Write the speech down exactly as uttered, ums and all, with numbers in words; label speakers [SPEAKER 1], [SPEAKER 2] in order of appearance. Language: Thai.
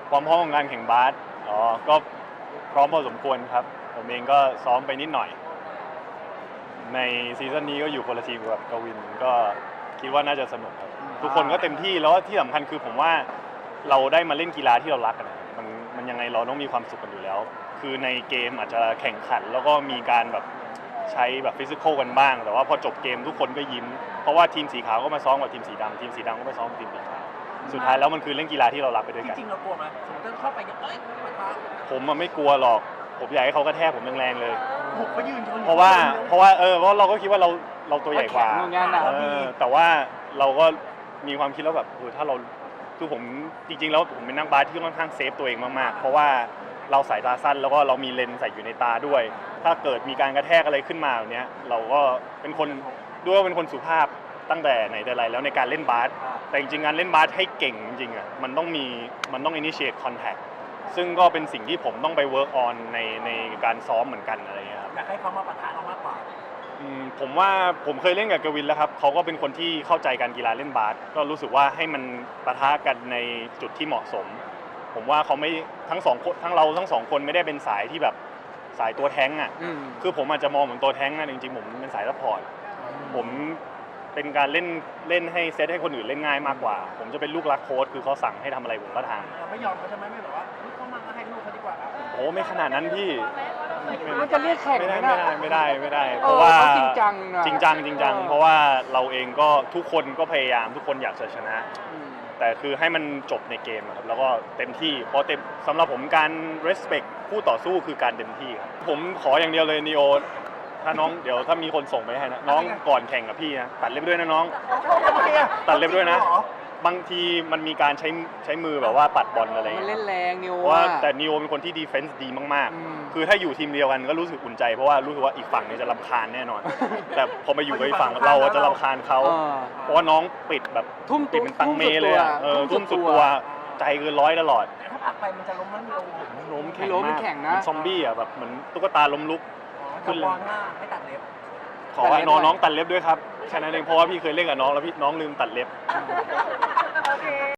[SPEAKER 1] ความพร้อมของการแข่งบาสอ๋อก็พร้อมพอสมควรครับผมเองก็ซ้อมไปนิดหน่อยในซีซั่นนี้ก็อยู่คนละทีมกับกวินก็คิดว่าน่าจะสนุกครับทุกคนก็เต็มที่แล้วที่สำคัญคือผมว่าเราได้มาเล่นกีฬาที่เรารักกันนะมันมันยังไงเราต้องมีความสุขกันอยู่แล้วคือในเกมอาจจะแข่งขันแล้วก็มีการแบบใช้แบบฟิสิกอลกันบ้างแต่ว่าพอจบเกมทุกคนก็ยิ้มเพราะว่าทีมสีขาวก็มาซ้อมกับทีมสีดำทีมสีดำก็มาซ้อมกับทีมสีขาวสุดท้ายแล้วมันคือเล่นกีฬาที่เรารักไปด้วยกัน
[SPEAKER 2] จริงๆเรากลัวไหมสมมติเข้าไปเนี่ยเอ้ยมาท้า
[SPEAKER 1] ผมมันไม่กลัวหรอกผมอยากให้เขากระแทกผมแรงๆเลย
[SPEAKER 2] บุกไปยืนชน
[SPEAKER 1] เพราะว่าเพราะว่าเออเพราะเราก็คิดว่าเราเราตัวใหญ่กว่าเออแต่ว่าเราก็มีความคิดแล้วแบบเออถ้าเราคือผมจริงๆแล้วผมเป็นนักบาสที่ค่อนข้างเซฟตัวเองมากๆเพราะว่าเราสายตาสั้นแล้วก็เรามีเลนส์ใส่อยู่ในตาด้วยถ้าเกิดมีการกระแทกอะไรขึ้นมาแบบนี้เราก็เป็นคนด้วยว่าเป็นคนสุภาพตั้งแต่ไหนแต่ไรแล้วในการเล่นบาสแต่จริงๆการเล่นบาสให้เก่งจริงๆอ่ะมันต้องมีมันต้อง initiate contact ซึ่งก็เป็นสิ่งที่ผมต้องไป work on ในในการซ้อมเหมือนกันอะไรอย่างเงี้ยครับ
[SPEAKER 2] อยากให้เขามาปะทะเรามากกว่า
[SPEAKER 1] ผมว่าผมเคยเล่นกับกวินแล้วครับเขาก็เป็นคนที่เข้าใจการกีฬาเล่นบาสก็รู้สึกว่าให้มันปะทะกันในจุดที่เหมาะสมผมว่าเขาไม่ทั้งสองคนทั้งเราทั้งสองคนไม่ได้เป็นสายที่แบบสายตัวแท้งอ่ะคือผมอาจจะมองเหมือนตัวแท้งนะจริงๆผมเป็นสายซัพพอร์ตผมเป็นการเล่นเล่นให้เซตให้คนอื่นเล่นง่ายมากกว่าผมจะเป็นลูกรักโค้ชคือเขาสั่งให้ทำอะไรผมก็ท
[SPEAKER 2] ำเราไม่ยอมเขาใช่ไหมไม่แบบว่าเขามาให้ลูกเขาดีกว่า
[SPEAKER 1] โอ้ไม่ขนาดนั้นพี่
[SPEAKER 3] มันจะเรียกแข่ง
[SPEAKER 1] ไม่ได้ไม่ได้ไม่ได้เพราะว่า
[SPEAKER 3] จริงจัง
[SPEAKER 1] จริงจังจริงจังเพราะว่าเราเองก็ทุกคนก็พยายามทุกคนอยากจะชนะแต่คือให้มันจบในเกมครับแล้วก็เต็มที่เพราะเต็มสำหรับผมการ respect คู่ต่อสู้คือการเต็มที่ครับผมขออย่างเดียวเลยนีโอถ้าน้องเดี๋ยวถ้ามีคนส่งไปให้นะน้องก่อนแข่งกับพี่นะตัดเล็บด้วยนะน้องตัดเล็บด้วยนะบางทีมันมีการใช้ใช้มือแบบว่าปัดบอลอะไรอย่างเงี้ย
[SPEAKER 3] มันเล่นแรงนิว
[SPEAKER 1] ว่าแต่นิโอเป็นคนที่ดีเฟนส์ดีมากๆคือถ้าอยู่ทีมเดียวกันก็รู้สึกอุ่นใจเพราะว่ารู้สึกว่าอีกฝั่งเนี่ยจะรำคาญแน่นอนแต่พอมาอยู่กับอีกฝั่งเราจะรำคาญเขาเพราะว่าน้องปิดแบบ
[SPEAKER 3] ทุ่ม
[SPEAKER 1] ปิดเป็นตังเมเลยอ่ะเออทุ่มสุดตัวใจเกินร้อยตลอด
[SPEAKER 2] ถ้าผลักไปมันจะล้มมันลง
[SPEAKER 1] ล้มแข็งมากเหมือนซอมบี้อ่ะแบบเหมือนตุ๊กตาล้มลุก
[SPEAKER 2] ขึ้นเลยให้ตัดเล็บ
[SPEAKER 1] ขอให้น้องน้องตัดเล็บด้วยครับแค่นั้นเองเพราะว่าพี่เคยเล่นกับน้องแล้วพี่น้องลืมตัดเล็บ